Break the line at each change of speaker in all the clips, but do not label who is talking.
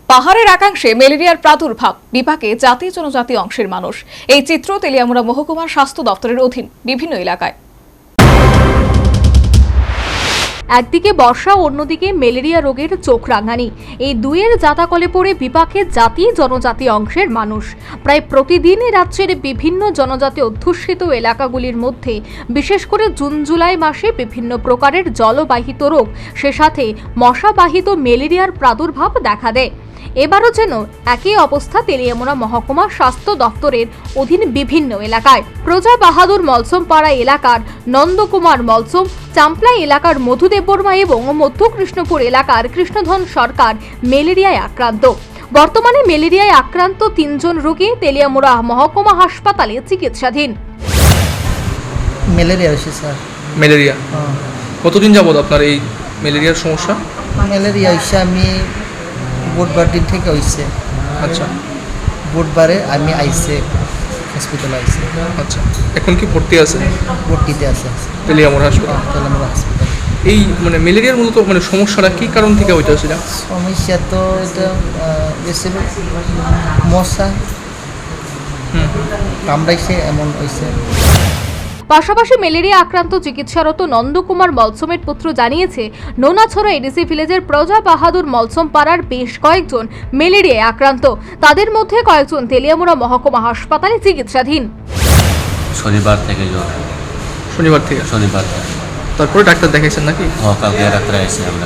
পাহাড়ের একাংশে ম্যালেরিয়ার প্রাদুর্ভাব, বিপাকে জাতি জনজাতি অংশের মানুষ। এই চিত্র তেলিয়ামুড়া মহকুমার স্বাস্থ্য দপ্তরের অধীন বিভিন্ন এলাকায়।
একদিকে বর্ষা, অন্যদিকে ম্যালেরিয়া রোগের চোখ রাঙানি। এই দুইয়ের জাতাকলে পড়ে বিপাকে জাতি জনজাতি অংশের মানুষ। প্রায় প্রতিদিনই রাজ্যের বিভিন্ন জনজাতি অধ্যুষিত এলাকাগুলির মধ্যে বিশেষ করে জুন জুলাই মাসে বিভিন্ন প্রকারের জলবাহিত রোগ, সে সাথে মশাবাহিত ম্যালেরিয়ার প্রাদুর্ভাব দেখা দেয়। এবারও যেন একই অবস্থা তেলিয়ামুড়া মহকুমা স্বাস্থ্য দপ্তরের অধীন বিভিন্ন এলাকায়। প্রজা বাহাদুর মলসমপাড়া এলাকার নন্দকুমার মলসম, চাম্পলা এলাকার মধুদেববর্মা এবং মধ্য কৃষ্ণপুর এলাকার কৃষ্ণধন সরকার ম্যালেরিয়ায় আক্রান্ত। বর্তমানে ম্যালেরিয়ায় আক্রান্ত 3 জন রোগী তেলিয়ামুড়া মহকুমা হাসপাতালে চিকিৎসাধীন।
ম্যালেরিয়া হয়েছে স্যার।
ম্যালেরিয়া কতদিন যাবত আপনার এই ম্যালেরিয়ার সমস্যা?
ম্যালেরিয়া হয়েছে আমি বুধবার দিন থেকে হয়েছে।
আচ্ছা,
বুধবারে আমি আইসে হসপিটালে আইসে।
আচ্ছা, এখন কি ভর্তি আছে?
ভর্তিতে আছে
তেলিয়ামুড়া হাসপাতাল।
তেলামুড়া হসপিটাল।
এই মেলেরিয়ার মূলত সমস্যাটা কি কারণ থেকে হইতেছে?
সমস্যা তো এটা বেশি মশা কামড়াইছে এমন হয়েছে।
পাশাপাশি ম্যালেরিয়া আক্রান্ত চিকিৎসারত নন্দকুমার মলসমের পুত্র জানিয়েছে, নোনাছড়া এডিসি ভিলেজের প্রজা বাহাদুর মলসম পাড়ার বেশ কয়েকজন ম্যালেরিয়ায় আক্রান্ত। তাদের মধ্যে কয়েকজন তেলিয়ামুড়া মহকুমা হাসপাতালে চিকিৎসাধীন।
শনিবার থেকে জ্বর।
শনিবার থেকে তারপরে ডাক্তার দেখাইছেন নাকি?
কালকে ডাক্তার আসছে আমরা।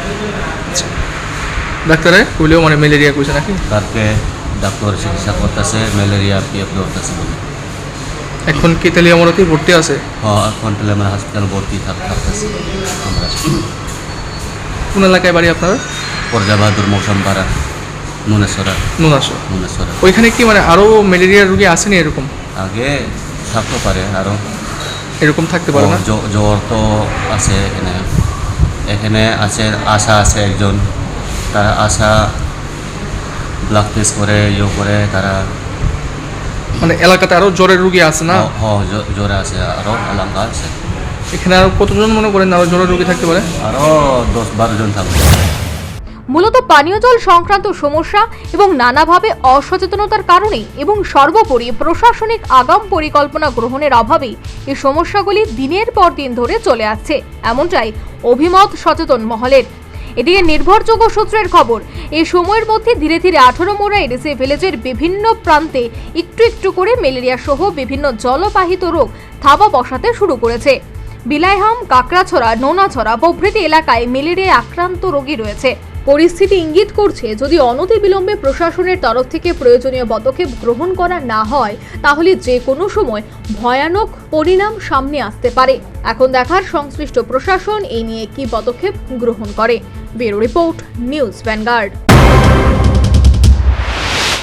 ডাক্তারে বলেও ম্যালেরিয়া কইছে নাকি?
কালকে ডাক্তার চিকিৎসা করতেছে, ম্যালেরিয়া পিএফ করতেছে।
এখন কি তেলিয়ামুড়াতে ভর্তি আছে?
এখন তেলিয়ামুড়া হসপিটাল ভর্তি থাকতেছে আমরা।
কোন এলাকায় বাড়ি আপনার?
প্রজা বাহাদুর মৌসুমপাড়া, নুনেশ্বরা।
ওইখানে কি আরো ম্যালেরিয়ার রোগী আসেনি এরকম?
আগে থাকতে পারে, আরো
এরকম থাকতে পারে না?
জ্বর তো আছে এখানে আছে। আশা আছে একজন, তারা আশা ব্লাড টেস্ট করে করে তারা
এলাকাতে আরো জ্বরের রোগী আছে না?
জ্বরে আছে, আরো এলাকা আছে।
এখানে আরো কতজন মনে করেন আরো জ্বরের রোগী থাকতে পারে?
আরো 10-12 জন থাকবে।
মূলত পানীয় জল সংক্রান্ত সমস্যা এবং নানাভাবে অসচেতনতার কারণে এবং সর্বোপরি প্রশাসনিক আগাম পরিকল্পনা গ্রহণের অভাবে এই সমস্যাগুলি দিনের পর দিন ধরে চলে আসছে, এমনটাই অভিমত সচেতন মহলের। এদিকে নির্ভরযোগ্য সূত্রের খবর, এই সময়ের মধ্যে ধীরে ধীরে 18 মোড়া এডিসি ভিলেজের বিভিন্ন প্রান্তে একটু একটু করে ম্যালেরিয়া সহ বিভিন্ন জলবাহিত রোগ থাবা বসাতে শুরু করেছে। বিলাইহাম, কাকড়াছড়া, নোনাছড়া প্রভৃতি এলাকায় ম্যালেরিয়ায় আক্রান্ত রোগী রয়েছে। পরিস্থিতি ইঙ্গিত করছে, যদি অনতিবিলম্বে প্রশাসনের তরফ থেকে প্রয়োজনীয় পদক্ষেপ গ্রহণ করা না হয়, তাহলে যে কোনো সময় ভয়ানক পরিণাম সামনে আসতে পারে। এখন দেখার সংশ্লিষ্ট প্রশাসন এই নিয়ে কি পদক্ষেপ গ্রহণ করে। Bureau report, news vanguard.